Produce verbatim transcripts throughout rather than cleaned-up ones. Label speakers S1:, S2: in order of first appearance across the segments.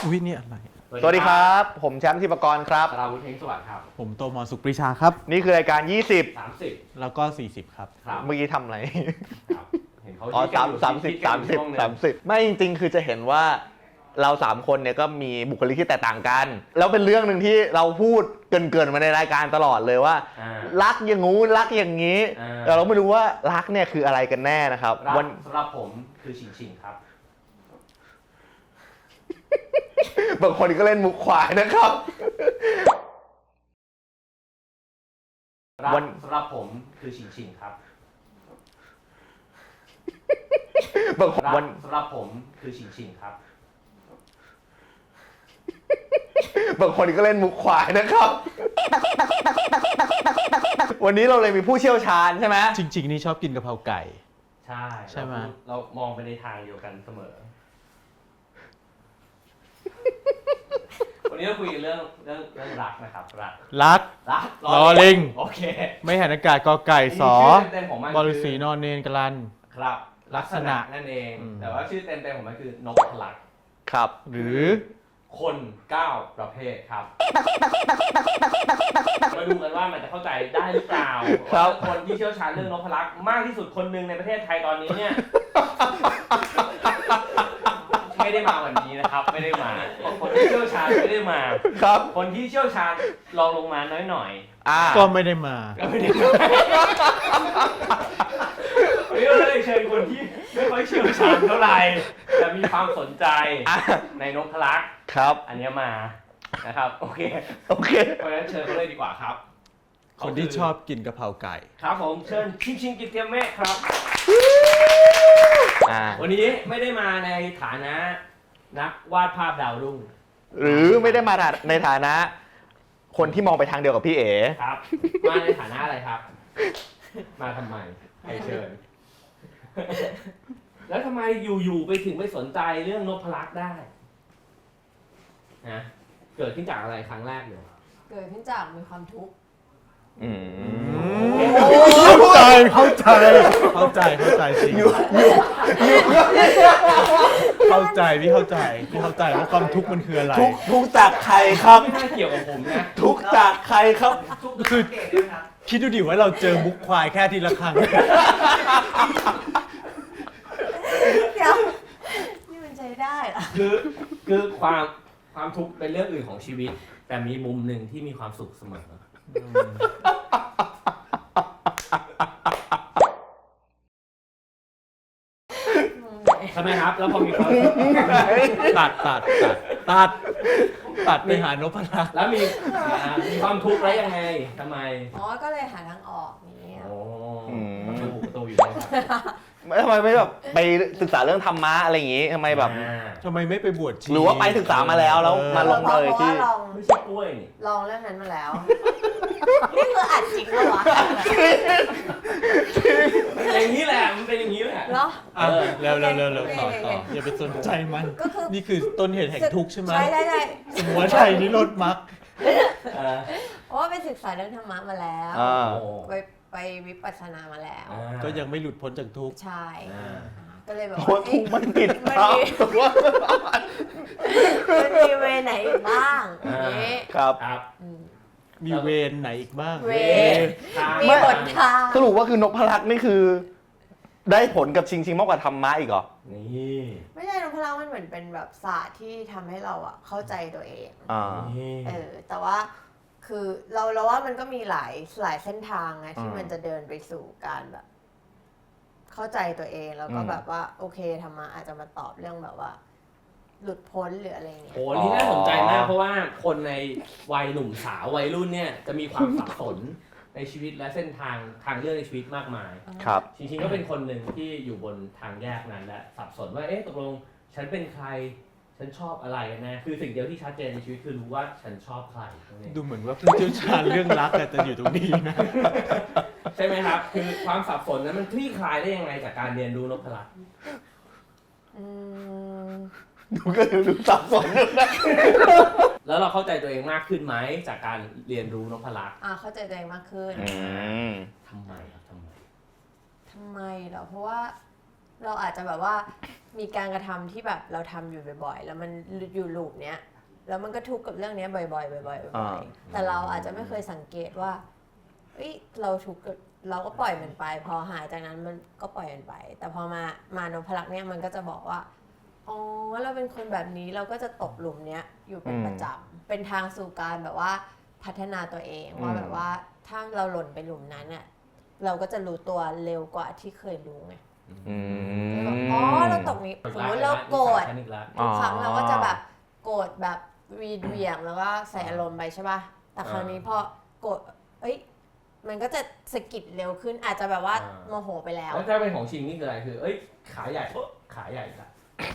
S1: อุ้ยนี่อะไร
S2: สวัสดีครับผมแชมป์ธิปกรครับ
S3: ราวุฒิเฮงสวัสดิ์ครับ
S1: ผมโตมอสุขปรีชาครับ
S2: นี่คือรายการยี่สิบ
S3: สามสิบ
S1: แล้วก็สี่สิบครับ
S3: ครับ
S2: เมื่อกี้ทำอะไร
S3: ครับเห็นเขา
S2: อ๋อ
S3: คิด
S2: สาม
S3: กันอยู่
S2: สามสิบ
S3: คิดกั
S2: สาน ม
S3: อยู่
S2: สิบ
S3: ช่วงหนึ่ง
S2: สามสิบไม่จริงๆคือจะเห็นว่าเราสามคนเนี่ยก็มีบุคลิกที่แตกต่างกันแล้วเป็นเรื่องหนึ่งที่เราพูดเกินๆมาในรายการตลอดเลยว่า
S3: อ่า
S2: รักอย่างงู้นรักอย่างนี้
S3: อ่า
S2: แต่เราไม่รู้ว่ารักเนี่ยคืออะไรกันแน่นะครับ
S3: รัก
S2: วัน
S3: สำหรับผมคือชิงชิงครับ
S2: บางคนก็เล่นมุกควายนะครับ
S3: รัก
S2: วัน
S3: สำหรับผมคือชิงชิงครับ
S2: บางคน
S3: รัก
S2: วัน
S3: สำหรับผมคือชิงชิงครับ
S2: บางคนก็เล่นมุกควายนะครับ วันนี้เราเลยมีผู้เชี่ยวชาญใช่ไหม
S1: จริงๆนี่ชอบกินกะเพราไก่
S3: ใช่
S1: ใช่ไหม
S3: เราเรามองไปในทางเดียวกันเสมอ วันนี้เราคุยกันเรื่องเรื่องเรื่องรักนะครับรัก
S1: รัก
S3: รัก
S1: รอลิง
S3: โอเค
S1: ไม่หันอากาศกอไก่สอ
S3: ชื่เต็มๆของมัน
S1: บริสีนอนเนนกลัน
S3: ครับ
S1: ลักษณะ
S3: นั่นเอง
S1: อืม
S3: แต่ว่าชื่อเต็มๆของมันคือนพลักษ์
S2: ครับ
S1: หรือ
S3: คนเก้าประเภทครับ มาดูกันว่ามันจะเข้าใจได้หรือเปล่า
S2: ครับ
S3: ว่าคนที่เชี่ยวชาญเรื่องนพลักษ์มากที่สุดคนหนึ่งในประเทศไทยตอนนี้เนี่ย ไม่ได้มาวันนี้นะครับ ไม่ได้มา คนที่เชี่ยวชาญไม่ได้มา
S2: ครับ
S3: คนที่เชี่ยวชาญลองลงมาน้อยหน่อย
S2: อ่า
S1: ก็ไม่ได้มา
S3: ก็ไม่ได้มาวันนี้เราเลยเชิญคนที่ไม่ค่อยเชี่ยวชาญเท่าไหร่แต่มีความสนใจ
S2: อ่ะ
S3: ในนพลักษ์
S2: ครับ
S3: อันเนี้ยมานะครับโอเค
S2: โอเค
S3: เพราะฉะนั้นเชิญเขาเลยดีกว่าครับ
S1: คนที่ชอบกินกะเพราไก่
S3: ครับผมเชิญชิงชิงกิตเตียมเมฆครับ
S2: อ่า
S3: วันนี้ไม่ได้มาในฐานะนักวาดภาพดาวรุ่ง
S2: หรือไม่ได้มาในฐานะ คนที่มองไปทางเดียวกับพี่เอ๋
S3: ครับ มาในฐานะอะไรครับ มาทำไมใครเชิญ แล้วทำไมอยู่ๆไปถึงไม่สนใจเรื่องนพลักษ์ได้นะเกิดขึ้นจากอะไรครั้งแรกเลย
S4: เกิดขึ้นจากมีความทุกข์
S2: อืม
S1: เข้าใจ เข้าใจ เข้าใจ เข้าใจสิเข้าใจพี่เข้าใจพี่เข้าใจว่าความทุกข์มันคืออะไร
S2: ทุกทุกจากใครครับ
S3: ไม่น่าเกี่ยวกับผมนะ
S2: ทุกจากใครครับ
S1: คือคิดดูดิว่าเราเจอมุกควายแค่ทีละครั้ง
S4: เดี๋ยวนี่มันใช้ได้เหรอ
S3: คือคือความความทุกข์เป็นเรื่องอื่นของชีวิต แต่มีมุมหนึ่งที่มีความสุขเสมอใช่ไหมครับ แล้วพอมีความสุข
S1: ตัดตัดตัดตัดตัดไปหานพลักษ์
S3: แล้วมีอ่ามีความทุกข์แล้วยังไงทำไม
S4: อ๋อ ก็เลยหาทางออกนี้
S3: โอ้
S2: อืม
S3: ประตูประตูอยู่ตรงนั้นครับ
S2: ทำไมไม่แบบไปศึกษาเรื่องธรรมะอะไรอย่างงี้ทำไมแบบ
S3: อ่า
S1: ทำไมไม่ไปบวชชี
S2: หรือว่าไปศึกษามาแล้วแล้วมาลง
S4: เพราะ
S2: เลย
S4: เพราะ
S2: ที่
S4: ว่าลอง
S3: ไม่ใช่กล้วยนี่
S4: ลองเรื่องนั้นมาแล้ว นี่คืออัดจริงปะวะ
S3: อย่างนี้แหละ มันเป็นอย่างนี้แหละ
S4: เหรอ
S1: อ่ะเร็วเร็วเร็วเร็วต่อ
S4: โอเค
S1: ต่อ
S4: โอเค
S1: อย่าไปสนใจมัน
S4: ก็คือ
S1: นี่คือต้นเหตุแห่งทุกข์ใช่ไหม
S4: ใช่ใช่ใช่
S1: หัวใจนิโรธมรรค
S3: เออ
S4: เพราะว่าไปศึกษาเรื่องธรรมะมาแล้ว
S2: อ่า
S3: โอ้
S4: ไปไปวิปัสสนามาแล้ว
S3: อ่า
S1: ก็ยังไม่หลุดพ้นจากทุกข์
S4: ใช่
S3: อ่า
S4: ก็เลยแบบ
S2: เพราะทุกมันผิด
S4: มัน
S2: ครับ
S4: มีมันมีเวไหนอีกบ้างอย่างนี้
S2: ครับ
S3: ครับ
S4: อืม
S1: มีเวรไหนอีกบ้าง
S4: เว
S3: ทาง
S4: มีหนทาง
S2: สรุปว่าคือนพลักษ์นี่คือ ได้ผลกับชิงชิงมากกว่าธรรมะอีกเหรอ
S3: นี่
S4: ไม่ใช่นพลังมันเหมือนเป็นแบบศาสตร์ที่ทำให้เราอะเข้าใจตัวเอง
S2: อ่า
S3: นี่
S4: เออ แต่ว่าคือเราเราว่ามันก็มีหลายหลายเส้นทางนะที่
S2: อืม
S4: มันจะเดินไปสู่การแบบ เข้าใจตัวเองแล้วก็
S2: อืม
S4: แบบว่า โอเคธรรมะอาจจะมาตอบเรื่องแบบว่า หลุดพ้นหรืออะไรเงี้ย
S3: โหนี่น่าสนใจมากเพราะว่าคนในวัยหนุ่มสาววัยรุ่นเนี่ยจะมีความสับสนในชีวิตและเส้นทางทางเลือกในชีวิตมากมาย
S2: ครับ
S3: จริงๆก็เป็นคนหนึ่งที่อยู่บนทางแยกนั้นและสับสนว่าเอ๊ะตกลงฉันเป็นใครฉันชอบอะไรกันแน่คือสิ่งเดียวที่ชัดเจนในชีวิตคือรู้ว่าฉันชอบใครนั่นเอง
S1: ดูเหมือนว่าผู้เชี่ยวชาญเรื่องรักอะจะอยู่ตรงนี้นะ
S3: ใช่ไหมครับ คือความสับสนนั้นมันคลี่คลายได้ยังไงจากการเรียนรู้นพลักษ์
S4: อืม
S2: ดูก็ดูสับสนอยู่นะ
S3: แล้วเราเข้าใจตัวเองมากขึ้นไหมจากการเรียนรู้นพลักษ์
S4: อ่าเข้าใจตัวเองมากขึ้น
S2: อืม
S3: ทำไมครับทำไม
S4: ทำไมเหรอเพราะว่าเราอาจจะแบบว่ามีการกระทำที่แบบเราทำอยู่บ่อยๆ แล้วมันอยู่ลูปเนี้ยแล้วมันก็ทุกข์กับเรื่องนี้บ่อยๆบ่อยๆบ่อยๆแต่เราอาจจะไม่เคยสังเกตว่าเอ้ยเราทุกข์เราก็ปล่อยมันไปพอหายจากนั้นมันก็ปล่อยมันไป แต่พอมามานพลักษ์เนี่ยมันก็จะบอกว่าอ๋อเราเป็นคนแบบนี้เราก็จะตกหลุมเนี้ยอยู่เป็นประจำเป็นทางสู่การแบบว่าพัฒนาตัวเองว่าแบบว่าถ้าเราหล่นไปหลุมนั้นเนี่ยเราก็จะรู้ตัวเร็วกว่าที่เคยรู้ไง
S2: อืม
S4: แบบอ๋อเราตกนี้สมมติเราโกรธ
S2: อ๋อ
S4: ทุกครั้งเราก็จะแบบโกรธแบบวีดเหวี่ยงแล้วก็ใส่อารมณ์ไปใช่ป่ะแต่ครั้งนี้พอโกรธเอ้ยมันก็จะสะกิดเร็วขึ้นอาจจะแบบว่าโมโหไปแล้ว
S3: แล้วถ้าเป็นของชิงนี่คืออะไรคือเอ้ยขาใหญ่ปุ๊บขาใหญ่ละ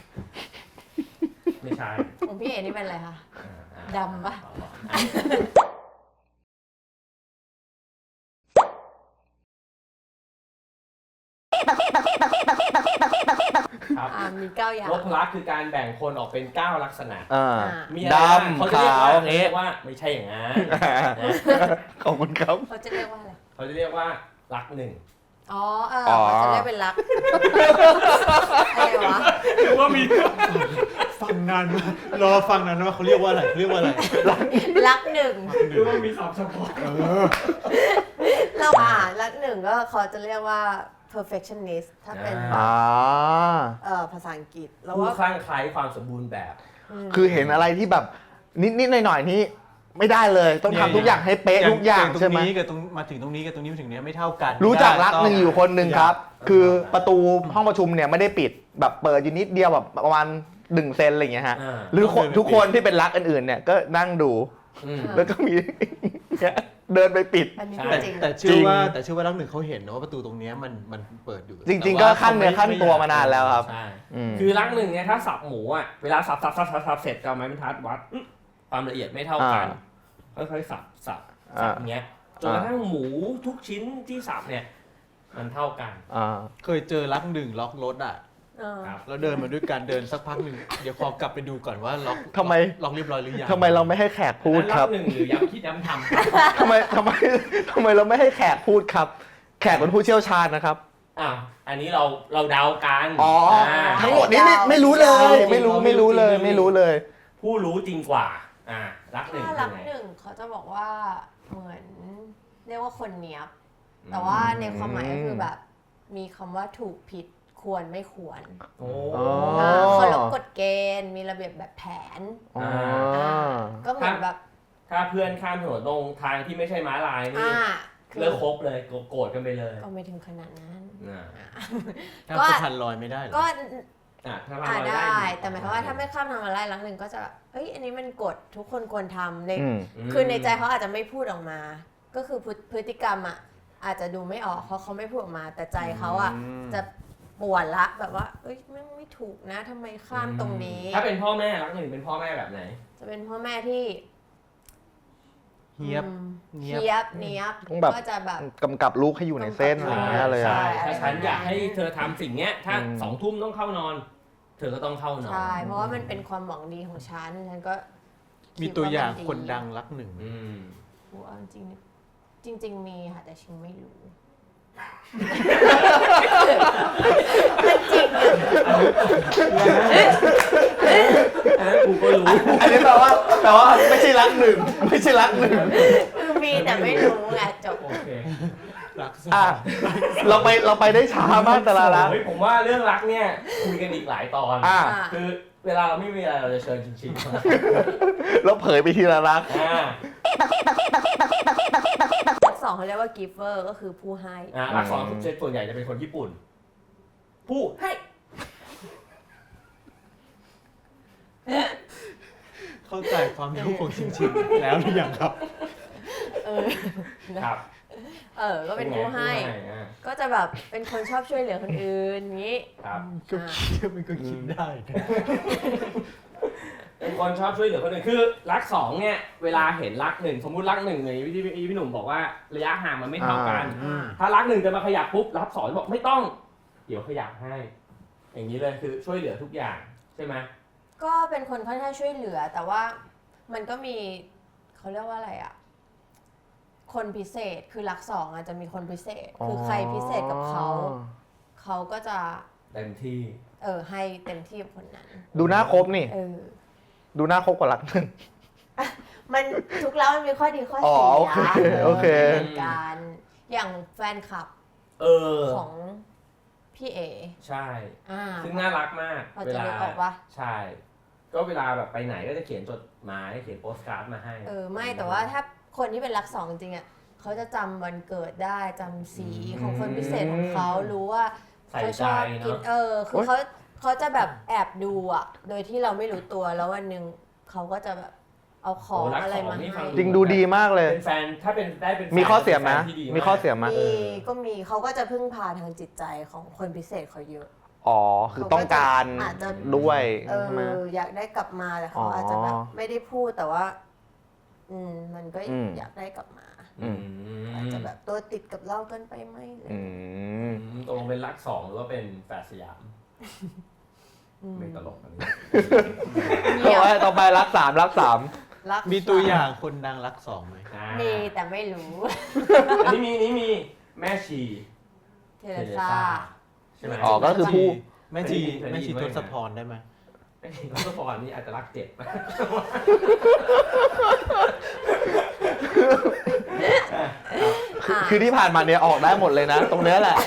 S3: ไม่ใช่
S4: ของพี่เอนี่เป็นอะไรคะ ดำปะ
S3: ครับ
S4: อ่ามีเก้าอย่าง
S3: ลบลักษณ์คือการแบ่งคนออกเป็นเก้าลักษณะ
S2: อ่า
S4: อ่า
S3: มีอะไรบ้าง
S2: ดำ
S3: เขาจะเรียกว่า
S2: ขาว
S3: เขาจะเรียกว่าไม่ใช่อย่างนั้นนะ
S2: ขอบคุณครับ
S4: เขาจะเรียกว่าอะไร
S3: เขาจะเรียกว่าลักษณ์หนึ่ง
S4: อ๋อเออ
S2: อ๋อ
S4: เขาจะเรียกเป็นรักอะไรวะ
S3: คือว่ามี
S1: ฟังนานมากรอฟังนานว่าเขาเรียกว่าอะไรเขาเรียกว่าอะไร
S4: รักหนึ่ง
S3: คือว่ามีศัพท์เฉพาะ
S4: เราอ่านรักหนึ่งก็เขาจะเรียกว่า perfectionist ถ้าเป็น
S2: อ่า
S4: เอ่อภาษาอังกฤษแล้ว
S3: ผู้
S4: ว่า
S3: คลั่งไคล้ความสมบูรณ์แบบ
S2: คือเห็นอะไรที่แบบนิดๆหน่อยๆนี่ไม่ได้เลยต้องทำทุกอย่างให้เป๊ะทุกอย่าง
S1: ตรง
S2: ใช่ไหม
S1: นี้กับตรงมาถึงตรงนี้กับตรงนี้มาถึงเนี้ยไม่เท่ากัน
S2: รู้จักรัก
S1: ต้
S2: หนึ่งอยู่คนหนึ่งครับ คือประตูห้องประชุมเนี่ยไม่ได้ปิดแบบเปิดอยู่นิดเดียวแบบประมาณหนึ่งเซนอะไรอย่างเงี้ยฮะ
S3: อ่า
S2: หรือคนทุกคนที่เป็นรักอื่นๆเนี่ยก็นั่งดู
S3: อืม
S2: แล้วก็มี เนี่ยเดินไปปิด
S4: อันนี้
S3: ใช่
S4: พูด
S1: แต่
S4: จริง
S1: แต่เชื่อว่าแต่เชื่อว่ารักหนึ่งเขาเห็นนะว่าประตูตรงเนี้ยมันมันเปิดอยู่
S2: จริง ๆ ก็ขั้นเนื้อขั้นตัวมานานแล้วครับ
S3: ใช่
S2: อืม
S3: คือลักษณ์หนึ่งเนี่ยถ้าสับหมูอ่ะเวลาสับสับสับสับสับเสร็จจะเอาไม้บรรทัดวัดอื้อความละเอียดไม่เท่ากัน ค่อยๆสับสับสับอย่างเงี้ยจนกระทั่งหมูทุกชิ้นที่สับเนี่ยมันเท่ากัน
S2: อ่า
S1: เคยเจอรักหนึ่งล็อกรถอ่ะ
S4: เออ
S3: ครับ
S1: แล้วเดินมาด้วยกันเดินสักพักหนึ่งเดี๋ยวขอกลับไปดูก่อนว่าล็อก
S2: ทำไม
S1: ล็อกเรียบร้อยหรือยัง
S2: ทำไมเราไม่ให้แขกพูดครับ
S3: อันนั้นลักษณ์หนึ่งหรือย้ำคิดย้ำทำครับ
S2: ทำไมทำไมทำไมเราไม่ให้แขกพูดครับ แขกเป็นผู้เชี่ยวชาญนะครับ
S3: อ้าวอันนี้เราเราเดากัน
S2: อ๋อ
S3: า
S2: ทั้งหมดนี้ไม่ไม่รู้เลย ไม่รู้ไม่รู้เลยไม่รู้เลย
S3: ผู้รู้จริงกว่าอ่ารักหนึ่ง
S4: ถ้า
S3: เป็
S4: รั
S3: น
S4: ก
S3: ไง
S4: หนึ่งเขาจะบอกว่าเหมือนเรียกว่าคนเนี้ยบ แต่ว่าในความหมายก็คือแบบ มีคำว่าถูกผิดควรไม่ควร
S3: โอ้
S2: อ๋อ
S4: อ่าเคารพกฎเกณฑ์มีระเบียบแบบแผน
S2: อ๋อ
S4: อ่าก็เหมือนแบบ
S3: ถ้าเพื่อนข้ามถนนตรงทางที่ไม่ใช่ม้าลายนี่
S4: อ่า
S3: เลิกคบเลยโกรธกันไปเลย
S4: ก็ไม่ถึงขนาดนั้น
S3: อ่า
S1: ถ้า
S4: ก็
S1: สะพานลอยไม่ได้เหรอ
S4: ก็
S3: อ่ะถ้า
S4: อ่า
S3: เรา
S4: ได้
S3: ได้
S4: แต่หมายความว่าถ้าไม่ข้ามทางมาลายรักหนึ่งก็จะแบบเอ้ยอันนี้มันกฎทุกคนควรทำใน
S2: อืม
S4: คือในใจเขาอาจจะไม่พูดออกมา ก็คือพฤพฤติกรรมอ่ะอาจจะดูไม่ออกเพราะเขาไม่พูดออกมา แต่ใจเขาอ่ะ
S1: อืม
S4: จะปวดละแบบว่า เอ้ยไม่ไม่ถูกนะทำไมข้ามตรงนี้
S3: ถ้าเป็นพ่อแม่รักหนึ่งเป็นพ่อแม่แบบไหน
S4: จะเป็นพ่อแม่ที่
S1: เฮียบ
S4: อืม
S1: เนี๊ยบ
S4: เฮียบเนียบ
S2: ต้องแบบ
S4: ก็จะแบบ
S2: กำกับลูกให้อยู่ในเส้นอะไรอย่างเงี้ยเลยอะ
S3: ใช่
S4: ใช่
S3: ถ้าฉันอยากให้เธอทำสิ่งเนี้ย ถ้า
S2: อืม
S3: สองทุ่มต้องเข้านอน เธอก็ต้องเข้านอน
S4: ใช่เพราะว่ามันเป็นความหวังดีของฉันฉันก็
S1: มีตัวอย่าง
S4: ด
S1: คนดังรักหนึ่ง
S3: อืม
S4: โอ้เอาจริงๆจริง ๆ มีค่ะแต่ชิงไม่รู้
S3: อันนั้นกูก็รู้
S2: อันนี้แปลว่าแปลว่าไม่ใช่รักหนึ่งไม่ใช่รักหนึ่ง
S4: คือมีแต่ไม่รู้ไงจบ
S3: โอเค
S1: รักสอง
S2: อ่ะเราไปเราไปได้ช้ามากแต่ละรัก
S3: เฮ้ยผมว่าเรื่องรักเนี่ยคุยกันอีกหลายตอน
S2: อ่ะ
S4: อ่ะ
S3: คือเวลาเราไม่มีอะไรเราจะเชิญจริงๆมา
S2: เราเผยไปทีละรัก
S3: อ่า
S4: รักสองเขาเรียกว่า giver ก็คือผู้ให้
S3: อ่ารักสองเซตส่วนใหญ่จะเป็นคนญี่ปุ่น ผู้ให้
S1: เข้าใจความรู้ของชิงชิงๆแล้วหรือยังครับ
S4: เออ
S3: ครับ
S4: เออ ก็เป็นผู้ให้
S3: อ่า
S4: ก็จะแบบเป็นคนชอบช่วยเหลือคนอื่นอย่างนี้
S3: ครับ
S1: ก็คิดมันก็คิดได้นะ
S3: เป็นคนชอบช่วยเหลือคนอื่นคือรักสองเนี่ยเวลาเห็นรักหนึ่งสมมุติรักหนึ่งเลยที่พี่พี่หนุ่มบอกว่าระยะห่างมันไม่เท่ากัน
S4: อ่า
S3: ถ้ารักหนึ่งจะมาขยับปุ๊บรักสองบอกไม่ต้อง เดี๋ยวขยับให้ อย่างนี้เลยคือช่วยเหลือทุกอย่างใช่ไหม
S4: ก็เป็นคนค่อนข้างช่วยเหลือ แต่ว่ามันก็มีเขาเรียกว่าอะไรอ่ะ คนพิเศษคือรักสองอาจจะมีคนพิเศษ คือใครพิเศษกับเขา เขาก็จะ
S3: เต็มที่
S4: เออให้เต็มที่กับคนนั้น
S2: ดูหน้าคบนี่
S4: เออ
S2: ดูหน้าคบกว่ารักหนึ่ง
S4: มันทุกแล้วมันมีข้อดีข้อ
S2: อ๋อ
S4: เสีย
S2: โอเคโอเค
S4: เหมือนกันอย่างแฟนคลับ
S3: เออ
S4: ของพี่เอ
S3: ใช่
S4: อ่า
S3: ซึ่งน่ารักมาก
S4: เราจะนึกออกปะ
S3: ใช่ ก็เวลาแบบไปไหนก็จะเขียนจดหมายเขียนโปสการ์ดมาให้
S4: เออไม่แต่ว่าถ้าคนที่เป็นรักสองจริงๆอ่ะเขาจะจำวันเกิดได้จำสีของคนพิเศษของเขารู้ว่า
S3: ใส่
S4: เขา
S3: ใจ
S4: ชอบกิน
S3: เนาะ
S4: เออคือเขาเขาจะแบบแอบดูอ่ะ โดยที่เราไม่รู้ตัวแล้ววันหนึ่งเขาก็จะแบบเอาของ
S3: โอ้รัก
S4: อะไร
S3: สอง
S4: มา
S3: นี่ฟั
S4: ให้
S3: ง
S2: จริงดูดีมากเลย
S3: เป็นแฟนถ้าเป็นได้เป็นแฟน
S2: มีข้อเสียไหม
S3: ป็นแฟนที่ดีาก
S2: มีข้อเสียไหม
S4: มีก็มีเขาก็จะพึ่งพาทางจิตใจของคนพิเศษเขาเยอะ
S2: อ๋อ คือต้องการ
S4: อาจจะ
S2: ด้วย
S4: เอ
S2: ใช่ไหม
S4: ออยากได้กลับมาแต่เขา
S2: อ๋ออ
S4: อาจจะแบบไม่ได้พูดแต่ว่า อืมมันก็
S2: อืม
S4: อยากได้กลับมา
S2: อืม
S4: อาจจะแบบตัวติดกับเราเกินไปไหมเลย
S2: อื
S3: อื
S2: ม
S3: มตกลงเป็นรักสองหรือว่าเป็นแฝดสยาม
S4: อืม
S3: ไม่ตลกอันนี้
S4: เงียบ
S2: ต่อไปต่อไปรักสามรักสาม
S4: รัก
S1: มีตัวอย่างคนดังรักสองไหม
S3: อ่า
S4: มีแต่ไม่รู้
S3: อันนี้มีนี้มีแม่ชี
S4: เทเลซ่า
S3: ใช่ไหม
S2: อ๋อก็คือผู้
S1: แม่ชี
S3: เคยได้ยิน
S1: แม่ชี
S3: เคยได้ยิ
S1: ท
S3: น
S1: ศพรได้ไหม
S3: แม่ชีทศพรนี่อาจจะรักเจ็ด
S2: คือคือที่ผ่านมาเนี่ยออกได้หมดเลยนะ ตรงเนี้ยแหละ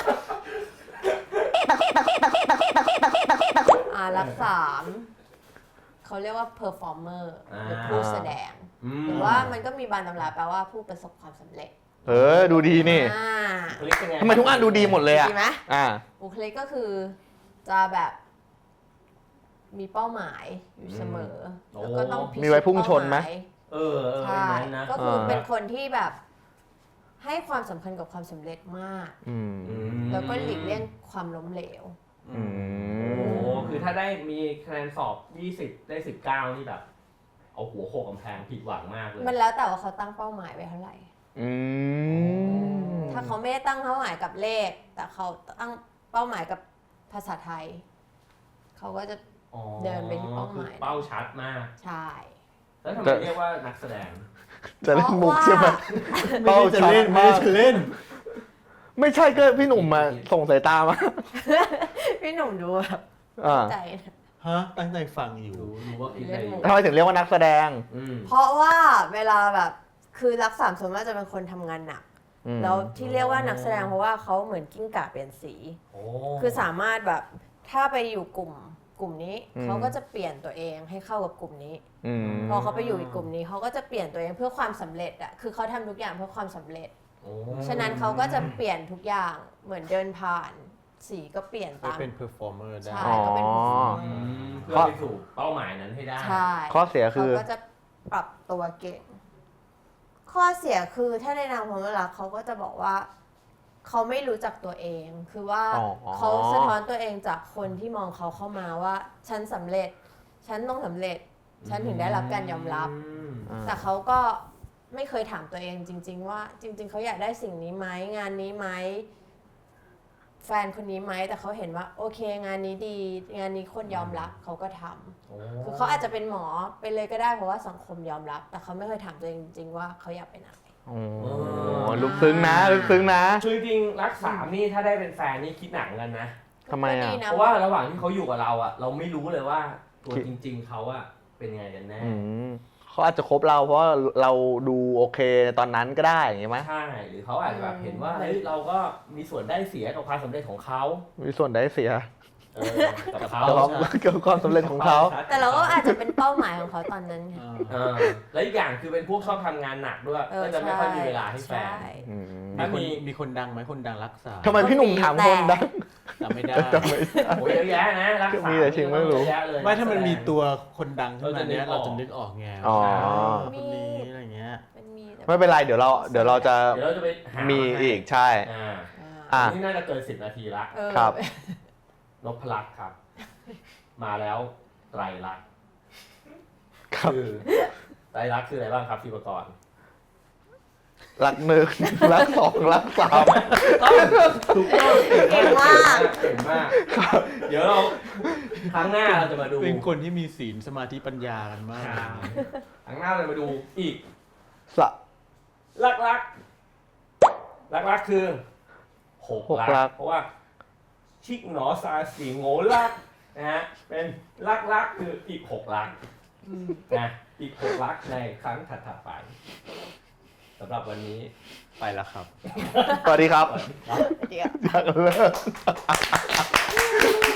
S4: อ่ารักสามเขาเรียกว่า performer หรือผู้แสดง หรือว่ามันก็มีบานตำราแปลว่าผู้ประสบความสำเร็จ
S2: เออ ดูดีนี่
S4: อ่า
S3: บุคลิกเป็นไง
S2: ทำไมทุกอันดูดีหมดเลยอ่ะ
S4: ดีไหม
S2: อ่า
S4: บุคลิกก็คือจะแบบมีเป้าหมายอยู่เสมอ แล้วก็ต้องพิชิต
S2: มีไว้พุ่งชนไหม
S4: เป้าาย
S3: เออเออ
S4: ใช่
S3: เป็นนั้นนะ
S4: ก็คือ
S2: เออ
S4: เป็นคนที่แบบให้ความสำคัญกับความสำเร็จมาก
S2: อืม
S3: อืม
S4: แล้วก็หลีกเลี่ยงความล้มเหลว
S2: อื
S3: โอ้
S2: ม
S3: คือถ้าได้มีคะแนนสอบยี่สิบได้สิบเก้านี่แบบ เอาหัวโขกกำแพงผิดหวังมากเลย
S4: มันแล้วแต่ว่าเขาตั้งเป้าหมายไว้เท่าไหร่
S2: อืม
S4: ถ้าเขาไม่ได้ตั้งเป้าหมายกับเลข แต่เขาตั้งเป้าหมายกับภาษาไทย เขาก็จะ
S3: อ๋อ
S4: เดินไปที่เป้าหมาย
S3: คือเป้าชัดมาก
S4: ใช่
S3: แล้วทำไมเรียกว่านักแสดง
S2: จะเล่นมุกใช่ไหม
S1: ไม่ได้จะเล่นไม่ได้จะเล่น
S2: ไม่ใช่ก็พี่หนุ่มมาส่งสายตามา
S4: พี่หนุ่มดูแบบ
S2: อ่า
S4: ใจนะ
S1: ฮะ ตั้งใจฟังอยู่
S3: รู้รู้ว่าคิดอะไรอยู่
S2: ทำไมถึงเรียกว่านักแสดง
S3: อืม
S4: เพราะว่าเวลาแบบคือรักสามส่วนมากจะเป็นคนทำงานหนัก
S2: อืม
S4: แล้วที่เรียกว่านักแสดงเพราะว่าเขาเหมือนกิ้งก่าเปลี่ยนสี
S3: โอ้
S4: คือสามารถแบบถ้าไปอยู่กลุ่มกลุ่มนี้เขาก็จะเปลี่ยนตัวเองให้เข้ากับกลุ่มนี้
S2: อืม
S4: พอเขาไปอยู่อีกกลุ่มนี้เขาก็จะเปลี่ยนตัวเองเพื่อความสำเร็จอะคือเขาทำทุกอย่างเพื่อความสำเร็จ
S3: โอ้
S4: ฉะนั้นเขาก็จะเปลี่ยนทุกอย่างเหมือนเดินผ่านสีก็เปลี่ยน
S1: ไป
S4: ตาม
S1: เป็นเพอร์ฟอร์เมอร์ได้
S4: ใช่ก็เป็น
S2: อ๋อ
S3: อืมเพื่อไปสู่เป้าหมายนั้นให้ได้
S4: ใช่
S2: ข้อเสียคื
S4: เขา
S2: อ
S4: ก็จะปรับตัวเก่ง ข้อเสียคือถ้าในนามความรักเขาก็จะบอกว่า เขาไม่รู้จักตัวเอง คือว่า
S2: อ๋อ
S4: เขาสะท้อนตัวเองจากคนที่มองเขาเข้ามาว่า ฉันสำเร็จ ฉันต้องสำเร็จ ฉันถึงได้รับการยอมรับ
S3: ม
S2: อ่า
S4: แต่เขาก็ไม่เคยถามตัวเองจริง ๆ ว่า จริง ๆเขาอยากได้สิ่งนี้ไหมงานนี้ไหมแฟนคนนี้ไหมแต่เขาเห็นว่า โอเค งานนี้ดี งานนี้คนยอมรับเขาก็ทำ
S3: โอ้
S4: คือเขาอาจจะเป็นหมอไปเลยก็ได้เพราะว่าสังคมยอมรับ แต่เขาไม่เคยถามตัวเองจริงๆว่าเขาอยากเป็นอะไร
S2: โอ้ลึกซึ้งนะลึกซึ้งนะ
S3: คือจริงๆรักสามนี่ถ้าได้เป็นแฟนนี่คิดหนังกันนะ
S2: ทำไมอะ
S4: ก็ดีน
S3: เพราะว่าระหว่างที่เขาอยู่กับเราอะเราไม่รู้เลยว่าตัว
S2: คิด
S3: จริง ๆเขาอะเป็นไงกันแน่
S2: อืมเขาอาจจะคบเราเพราะว่าเราดูโอเคตอนนั้นก็ได้อย่างงี้ไหม
S3: ใช่หรือเขาอาจจะแบบเห็นว่าเฮ้ยเราก็มีส่วนได้เสียกับความสำเร็จของเขา
S2: มีส่วนได้เสีย
S3: เออกับเขา
S2: กับความเกี่ยวกับความสำเร็จของเขา
S4: แต่เราก็อาจจะเป็นเป้าหมายของเขาตอนนั้นไง
S3: เออแล้วอีกอย่างคือเป็นพวกชอบทำงานหนักด้วย
S4: เออ
S3: ก็จะไม่ค่อยมีเวลาให้แฟ
S4: ใช่
S3: น
S2: อืม
S1: มีคนมีคนดังไหมคนดังรักษา
S2: ทำไมพี่หนุ่มถามคนดัง
S1: จำไม่ได้
S2: จำไม่ได้
S3: โอ้ยเยอะแยะนะรักษา
S2: มีแต่ชิงไม่รู้
S3: เยอะแยะเลย
S1: ไม่ถ้ามันมีตัวคนดังขึ้นมาเนี้ย
S3: เรา
S1: เรา
S3: จะ
S1: จะ
S3: นึ
S1: นึ
S3: ก
S1: ก
S3: อ
S1: อ
S3: อ
S1: อก กไง
S2: อ๋อ
S1: คนนี้อะไรเงี้ย
S4: มันมีแต่
S2: ไม่เป็นไรเดี๋ยวเราเดี๋ยวเราจะ
S3: เดี๋ยวเราจะไปหา
S2: มี
S3: ให้
S2: อีกใช่
S3: อ่า
S2: อ่ะ
S3: นี่น่าจะเกินสิบนาทีละ
S4: เออ
S2: ครับ
S3: นพลักษ์ครับ มาแล้วไตรลักษณ์
S2: ครับ
S3: คือไตรลักษณ์คืออะไรบ้างครับพี่ประกรณ์
S2: รักหนึ่งรักสองรักสาม
S3: ถูกต้อง
S4: เก่งมาก
S3: เก่งมากเดี๋ยวเราครั้งหน้าเราจะมาดู
S1: เป็นคนที่มีศีลสมาธิปัญญากันมาก
S3: ครั้งหน้าเราจะมาดูอีก
S2: สะ
S3: ลักลักลักลักคือหก
S2: หกลั
S3: ลั
S2: ก
S3: กเพราะว่าชิกหนอซาสีโง่ลักนะฮะเป็นลักลักคืออีกหกลักนะอีกหกลักในครั้งถัดๆไปสำหรับวันนี้ไปแล้วครับ
S2: สวัสดีครับ
S4: เดี๋ยว
S2: อยากเลิก